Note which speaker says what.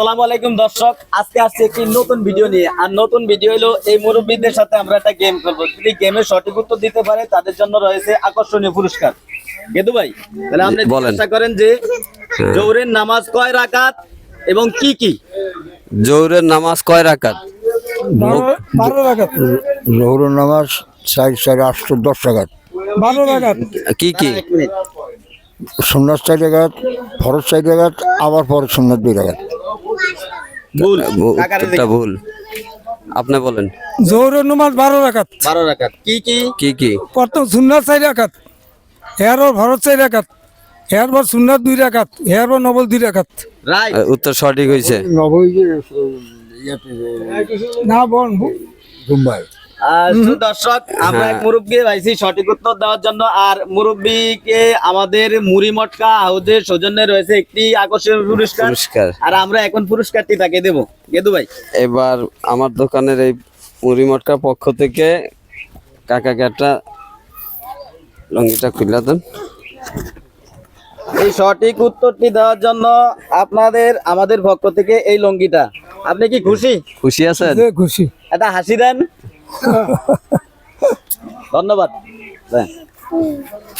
Speaker 1: আসসালামু আলাইকুম দর্শক, আজকে আসছে একটি নতুন ভিডিও নিয়ে। আর নতুন ভিডিও হলো এই মুরব্বীদের সাথে আমরা একটা গেম খেলবো। যদি গেমের সঠিক উত্তর দিতে পারে তাদের জন্য রয়েছে আকর্ষণীয় পুরস্কার। গেদু ভাই, তাহলে আপনি জিজ্ঞাসা করেন যে জোহরের নামাজ কয় রাকাত এবং কি কি?
Speaker 2: জোহরের নামাজ কয় রাকাত?
Speaker 3: 12 রাকাত।
Speaker 4: জোহরের নামাজ 4-4-8-10 রাকাত।
Speaker 3: 12 রাকাত।
Speaker 2: কি কি?
Speaker 1: এক মিনিট।
Speaker 4: সুন্নাত 4 রাকাত, ফরজ 4 রাকাত, আবার পরে সুন্নাত 2 রাকাত।
Speaker 1: ভুল, কাকারে
Speaker 2: উত্তরটা ভুল। আপনি বলেন।
Speaker 3: জোহরের নামাজ 12 রাকাত।
Speaker 1: 12 রাকাত। কি কি?
Speaker 2: কি কি?
Speaker 3: প্রথম সুন্নাত 4 রাকাত, এরপর ফরজ 4 রাকাত, এরপর সুন্নাত 2 রাকাত, এরপর নফল 2 রাকাত।
Speaker 1: রাইট।
Speaker 2: উত্তর সঠিক হয়েছে।
Speaker 4: নবী
Speaker 3: না বল
Speaker 4: মুম্বাই।
Speaker 1: দর্শক, আমরা এক মুরব্বী পাইছি সঠিক উত্তর দেওয়ার জন্য। আর মুরব্বীকে আমাদের মুড়ি মটকা হাউজের সৌজন্যে রয়েছে একটি আকর্ষণীয় পুরস্কার। আর আমরা এখন পুরস্কারটি তাকে দেবো। গেদু ভাই,
Speaker 2: এবার আমার দোকানের এই মুড়ি মটকার পক্ষ থেকে কাকাকে একটা লঙ্গিটা খুলে দেন।
Speaker 1: এই সঠিক উত্তরটি দেওয়ার জন্য আপনাদের আমাদের পক্ষ থেকে এই লঙ্গিটা। আপনি কি খুশি?
Speaker 2: খুশি আছেন?
Speaker 3: খুশি।
Speaker 1: একটা হাসি দেন। ধন্যবাদ।